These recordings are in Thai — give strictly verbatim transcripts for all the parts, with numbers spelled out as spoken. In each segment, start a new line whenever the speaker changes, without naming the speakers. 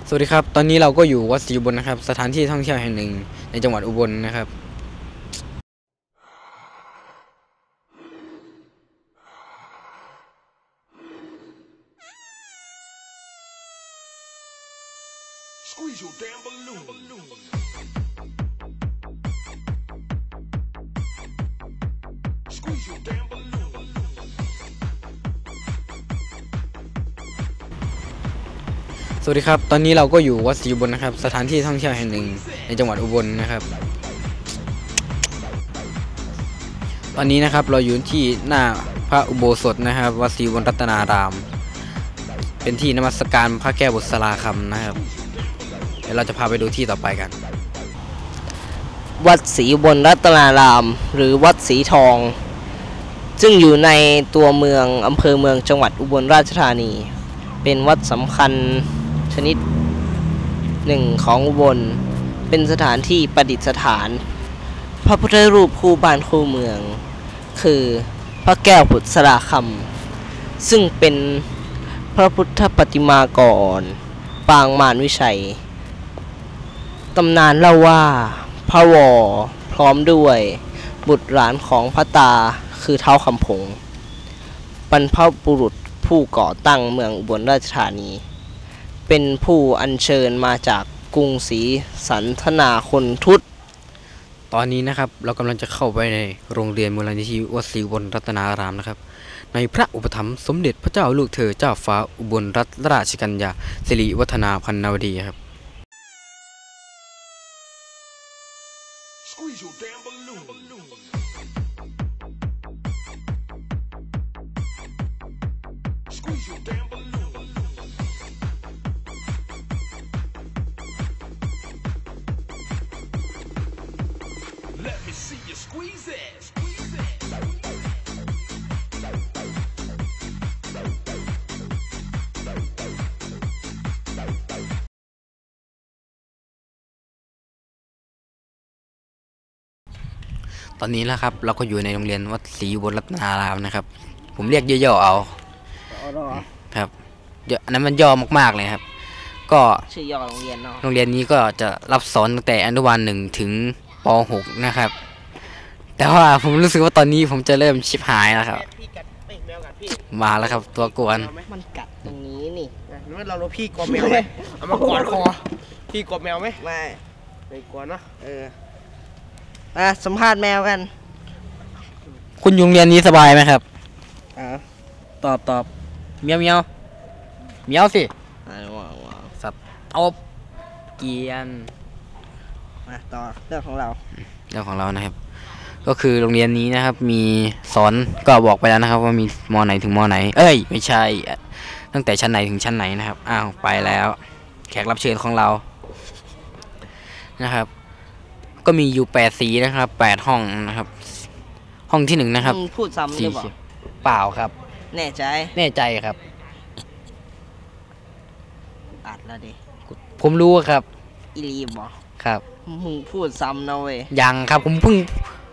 สวัสดีครับตอนนี้เราก็อยู่วัดศรีอุบลนะครับสถานที่ท่องเที่ยวแห่งหนึ่งในจังหวัดอุบลนะครับสวัสดีครับตอนนี้เราก็อยู่วัดศรีอุบลนะครับสถานที่ท่องเที่ยวแห่งหนึ่งในจังหวัดอุบลนะครับตอนนี้นะครับเราอยู่ที่หน้าพระอุโบสถนะครับวัดศรีอุบลรัตนารามเป็นที่นมัสการพระแก้วบุษราคำนะครับเดี๋ยวเราจะพาไปดูที่ต่อไปกัน
วัดศรีอุบลรัตนารามหรือวัดศรีทองซึ่งอยู่ในตัวเมืองอำเภอเมืองจังหวัดอุบลราชธานีเป็นวัดสำคัญชนิดหนึ่งของอุบลเป็นสถานที่ประดิษฐานพระพุทธรูปคู่บ้านคู่เมืองคือพระแก้วบุษราคำซึ่งเป็นพระพุทธปฏิมากรปางมารวิชัยตำนานเล่าว่าพระวอพร้อมด้วยบุตรหลานของพระตาคือท้าวคำผงบรรพบุรุษผู้ก่อตั้งเมืองอุบลราชธานีเป็นผู้อัญเชิญมาจากกรุงศรีสันธนาคนทุต
ตอนนี้นะครับเรากำลังจะเข้าไปในโรงเรียนมูลนิธิวัดศรีอุบลรัตนารามนะครับในพระอุปถัมภ์สมเด็จพระเจ้าลูกเธอเจ้าฟ้าอุบลรัตนราชกัญญาสิริวัฒนาพันนวดีครับตอนนี้แล้วครับเราก็อยู่ในโรงเรียนวัดศรีอุบลรัตนารามนะครับผมเรียกย่อๆเอาครับเดี๋ยวอันนั้นมันย่อมากๆเลยครับก็
ชื่อย่อโรงเรียนเนาะ
โรงเรียนนี้ก็จะรับสอนตั้งแต่อนุบาลหนึ่งถึงป หกนะครับแต่ว่าผมรู้สึกว่าตอนนี้ผมจะเริ่มชิบหายแล้วครับมาแล้วครับตัวกวน
มันกัดตรงนี้นี่
นึกเราเราพี่กลัวแมวไหมเอามากอดคอพี่กลัวแมวไหม
ไม่
ไม่กลัวเนาะ
เอออ่ะสัมภาษณ์แมวกัน
คุณยุงเรียนนี้สบายไหมครับอ่าตอบตอบเมียวเมียวเมียวสิสับตบเกียน
มาต่อเรื่องของเรา
เรื่องของเรานะครับก็คือโรงเรียนนี้นะครับมีสอนก็บอกไปแล้วนะครับว่ามีม.ไหนถึงม.ไหนเอ้ยไม่ใช่ตั้งแต่ชั้นไหนถึงชั้นไหนนะครับอ้าวไปแล้วแขกรับเชิญของเรานะครับก็มีอยู่แปดสีนะครับแปดห้องนะครับห้องที่หนึ่งนะครับ
พูดซ้ำหรือเปล่า
เปล่าครับ
แน่ใจ
แน่ใจครับ
อัดแล้วดิ
ผมรู้ครับ
อีลีบอ
ครับ
มึงพูดซ้ำนะเว้ย
ยังครับผมเพิ่ง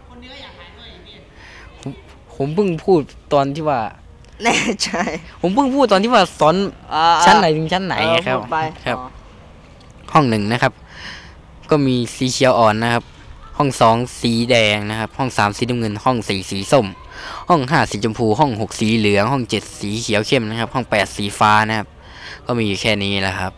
ผมผมเพิ่งพูดตอนที่ว่า
แน่ใจ
ผมเพิ่งพูดตอนที่ว่าสอนชั้นไหนถึงชั้นไหนครับครับห้องหนึ่งนะครับก็มีสีเขียวอ่อนนะครับห้องสองสีแดงนะครับห้องสามสีน้ำเงินห้องสี่สีส้มห้องห้าสีชมพูห้องหกสีเหลืองห้องเจ็ดสีเขียวเข้มนะครับห้องแปดสีฟ้านะครับก็มีอยู่แค่นี้แหละครับ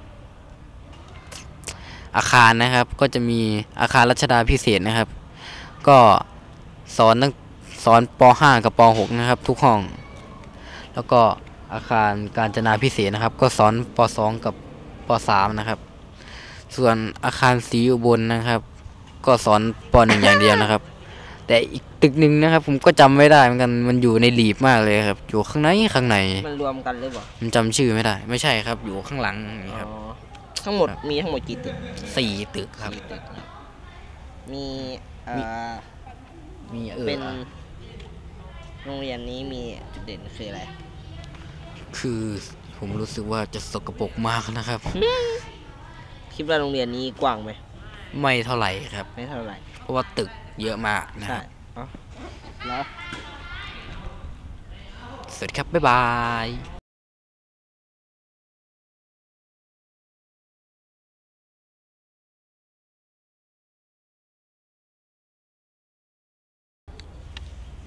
อาคารนะครับก็จะมีอาคารรัชดาพิเศษนะครับก็สอนตั้งสอนป.ห้า กับป.หก นะครับทุกห้องแล้วก็อาคารกาญจนาพิเศษนะครับก็สอนป.สอง กับป.สาม นะครับส่วนอาคารศรีอุบลนะครับก็สอนป.หนึ่ง อย่างเดียวนะครับแต่อีกตึกหนึ่งนะครับผมก็จำไม่ได้เหมือนกันมันอยู่ในหลีบมากเลยครับอยู่ข้างในข้างใน
มันรวมกันหรือเปล่า
มันจำชื่อไม่ได้ไม่ใช่ครับอยู่ข้างหลังนี่ครับ
ทั้งหมดมีทั้งหมดกี่ตึก
สี่ตึกครับ
มีเอ่อ
มีเออ
เป็นโรงเรียนนี้มีจุดเด่นคืออะไร
คือผมรู้สึกว่าจะสกปรกมากนะครับ
คิดว่าโรงเรียนนี้กว้างไหม
ไม่เท่าไหร่ครับ
ไม่เท่าไหร่
เพราะว่าตึกเยอะมากนะครับ
แล้ว
สวัสดีครับบ๊ายบาย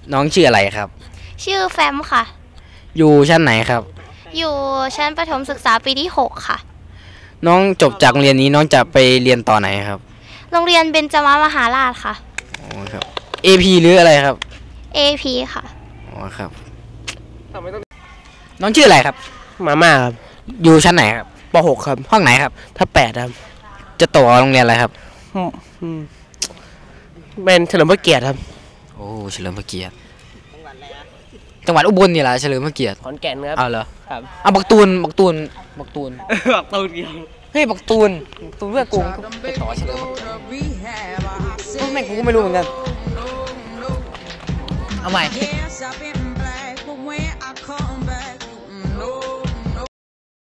น้องชื่ออะไรครับ
ชื่อแฟมค่ะ
อยู่ชั้นไหนครับ
อยู่ชั้นประถมศึกษาปีที่หกค่ะ
น้องจบจากโรงเรียนนี้น้องจะไปเรียนต่อไหนครับ
โรงเรียนเบญจมามหาราชค่ะ
อ๋อครับ เอ พี หรืออะไรครับ
เอ พี ค่ะ
อ๋อครับ น้องชื่ออะไรครับ
มาม่าครับ
อยู่ชั้นไหนครับ
ปหกครับ
ห้องไหนครับ
ถ้าแปดครับ
จะต่อโรงเรียนอะไรครับ
อืมอืมเป็นเฉลิมพระเกียรติครับ
โอ้เฉลิมพระเกียรติจังหวัดอุบลนี่แหละเฉลิมพระเกียรติ
ขอนแก่นครับ
เอาเหรอ
ครับ
เอาบักตูนบักตูนบักตูน
บักตูนเดียว
เฮ้ยบักตูนบักตูนเพื่อนกูก็ไปต่อเฉลิมพระเกียรติเฮ้ยแม่งกูก็ไม่รู้เหมือนกันเอาใหม่
Yes, I've been black, but when